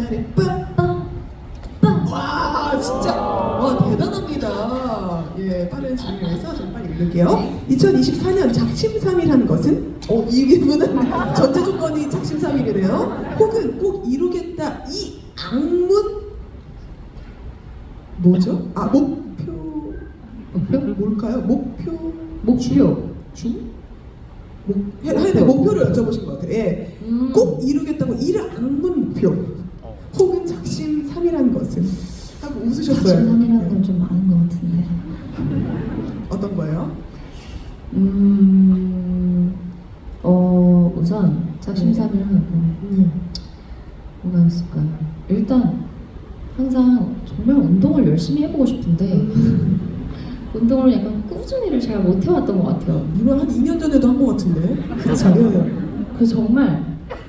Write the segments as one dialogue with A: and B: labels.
A: 파리 빰빰 와 진짜 와 대단합니다. 예 빠른 진행에서 좀 빨리 읽을게요. 2024년 작심삼일한 것은 이 부분은 전제 조건이 작심삼일이래요. 혹은 꼭 이루겠다 이 악문 뭐죠? 아 목표 뭘까요? 목표 중? 해야 돼. 목표를 여쭤보신 것 같아요. 예. 꼭 이루겠다고 이를 악문 목표 혹은 작심삼일한 것은 하고 웃으셨어요.
B: 작심삼일한 건 좀 많은 것 같은데.
A: 어떤 거예요?
B: 우선 작심삼일한 건 뭐가 있을까요? 일단 항상 정말 운동을 열심히 해보고 싶은데 운동을 약간 꾸준히를 잘 못 해왔던 것 같아요.
A: 이번 한 2년 전에도 한 것 같은데.
B: 그쵸?
A: 예.
B: 그래서 정말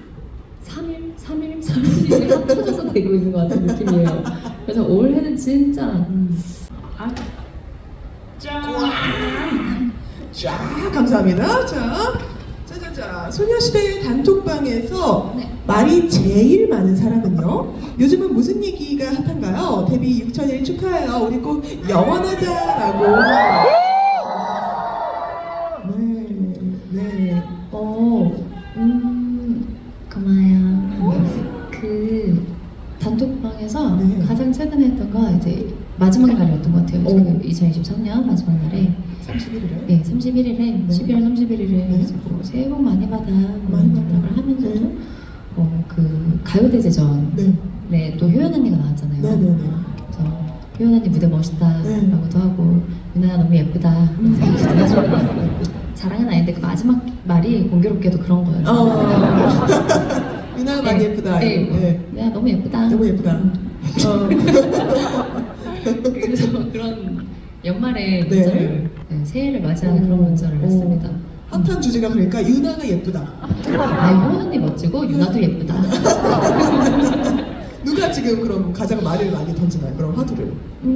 B: 3일이 합쳐져서 되고 있는 것 같은 느낌이에요. 그래서 올해는 진짜
A: 자 감사합니다. 자 소녀시대 단톡방에서
B: 네.
A: 말이 제일 많은 사람은요? 요즘은 무슨 얘기가 핫한가요? 데뷔 6,000일 축하해요. 우리 꼭 영원하자라고. 네.
B: 고마워요. 그 단톡방에서
A: 네.
B: 가장 최근에 했던 거 이제 마지막 날이었던 것 같아요. 그 2023년 마지막 날에
A: 31일에?
B: 네, 31일에
A: 네.
B: 12월 31일에
A: 네.
B: 뭐 새해 복 많이 받아
A: 많이 받아.
B: 연락을 하면서도
A: 네.
B: 그 가요대제전
A: 네.
B: 네, 또 효연 언니가 나왔잖아요.
A: 네네네.
B: 그래서 효연 언니 무대 멋있다라고도
A: 네.
B: 하고 유나야 너무 예쁘다 이렇게 해가지고 자랑은 아닌데 그 마지막 말이 공교롭게도 그런 거였어요.
A: 유나가 많이 예쁘다.
B: 네. 유나야 너무 예쁘다.
A: 너무 예쁘다.
B: 그래서 그런 연말에
A: 네.
B: 문자를 새해를 맞이하는 그런 문자를 했습니다.
A: 핫한 주제가 그러니까 유나가 예쁘다.
B: 효연 언니 멋지고 유나도 예쁘다.
A: 누가 지금 그럼 가장 말을 많이 던지나요? 그럼 화두를.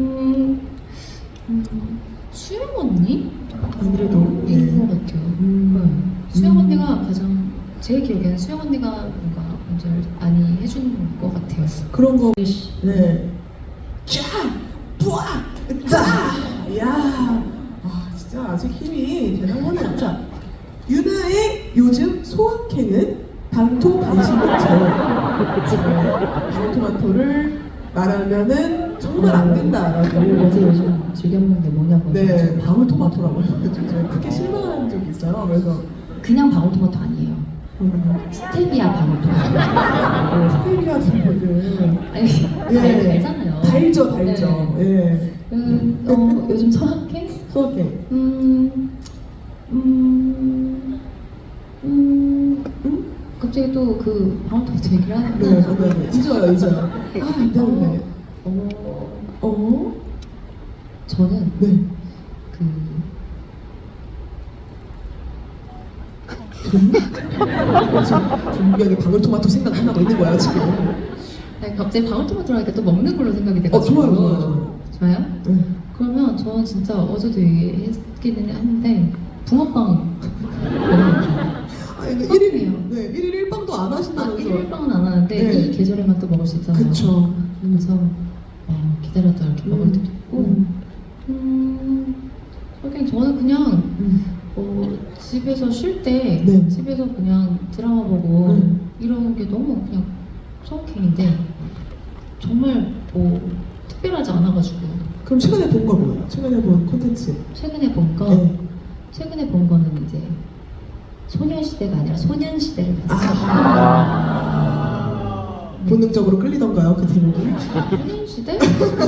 B: 수영 언니?
A: 아무래도
B: 인것 같아요. 수영 언니가 가장 제 기억에는 수영 언니가 뭔가 문제를 많이 해준 것 같아요.
A: 그런 거. 네. 쫙, 뿌아, 짜. 야, 진짜 아직 힘이 대단하네요. 자, 유나의 요즘 소확행은 방토반신욕제예요. 방토마토를 말하면은 정말 안 된다라고.
B: 어제 요즘 즐겨 먹는 게 뭐냐고.
A: 네, 방울토마토라고 해가지고 크게 실망한 적이 있어요. 그래서
B: 그냥 방울토마토 아니에요. 스테비아 방울토마토.
A: 스테비아 친구들
B: 아니 달잖아요.
A: 달죠.
B: 네.
A: 예.
B: 요즘 소확행?
A: 소확행.
B: 갑자기 또 그 방울토마토 얘기를 하는데.
A: 네. 잊어요. 안 되는데.
B: 저는
A: 네. 분명히 방울토마토 생각하고 있는 거야 지금.
B: 아니, 갑자기 방울토마토 하니까 또 먹는 걸로 생각이 돼가지고.
A: 좋아요.
B: 좋아요?
A: 네.
B: 그러면 저는 진짜 어제도 얘기했기는 했는데 붕어빵
A: 아니, 그
B: 소확행이에요.
A: 1일 1빵도 안 하신다면서.
B: 1일빵은 안 하는데
A: 네.
B: 이 계절에만 또 먹을 수 있잖아요.
A: 그쵸.
B: 그래서 기다렸다 이렇게 먹을 때도 있고 그냥 저는 그냥 집에서 쉴 때
A: 네.
B: 집에서 그냥 드라마 보고 이러는 게 너무 그냥 소확행인데 정말 특별하지 않아가지고
A: 그럼 최근에 본 거 뭐예요? 최근에 본 콘텐츠.
B: 최근에 본 거
A: 네.
B: 최근에 본 거는 이제 소녀시대가 아니라 소년시대를 봤어요.
A: 본능적으로 끌리던가요 그 제목이?
B: 소년시대?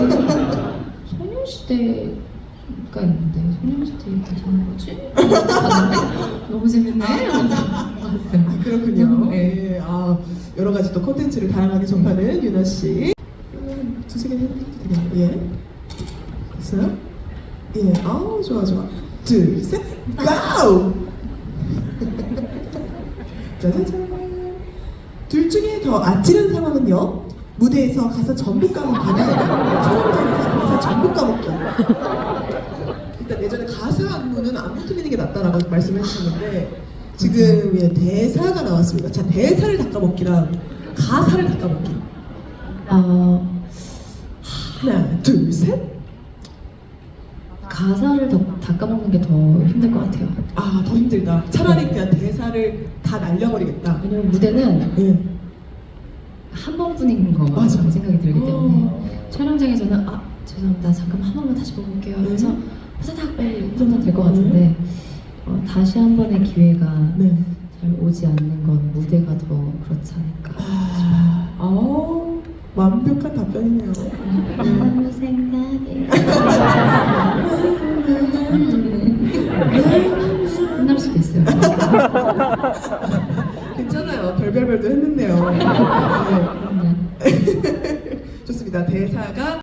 B: 소년시대가 있는데 소년시대 괜찮은 거지? 봤는데 너무 재밌네. 봤어요.
A: 그렇군요.
B: 네.
A: 여러 가지 또 콘텐츠를 다양하게 접하는 유나 씨. 두세 개 해도 되겠네요. 예. 됐어요? 예. 좋아. 둘, 셋, 고! 짜자잔. 둘 중에 더 아찔한 상황은요? 무대에서 가사 전부 까먹기는 촬영장에서 가사 전부 까먹기. 일단 예전에 가사 안무는 안 붙이는 게 낫다라고 말씀을 해주셨는데 지금 대사가 나왔습니다. 자, 대사를 다 까먹기랑 가사를 다 까먹기. 하나, 둘, 셋.
B: 가사를 다 까먹는 게 더 힘들 것 같아요.
A: 아, 더 힘들다. 차라리 그냥 대사를 다 날려버리겠다.
B: 왜냐면 무대는
A: 예.
B: 한 번뿐인 거
A: 맞아.
B: 생각이 들기 때문에 촬영장에서는 죄송합니다 잠깐 한 번만 다시 보고 올게요 하면서 후다닥 빨리 하면 될 것 같은데 다시 한 번의 기회가
A: 네.
B: 잘 오지 않는 건 무대가 더 그렇지 않을까
A: 완벽한 답변이네요.
B: 아무 생각이 끝날 수도 있어요.
A: 괜찮아요. 별별별도 했는데요. 네.
B: 네.
A: 좋습니다. 대사가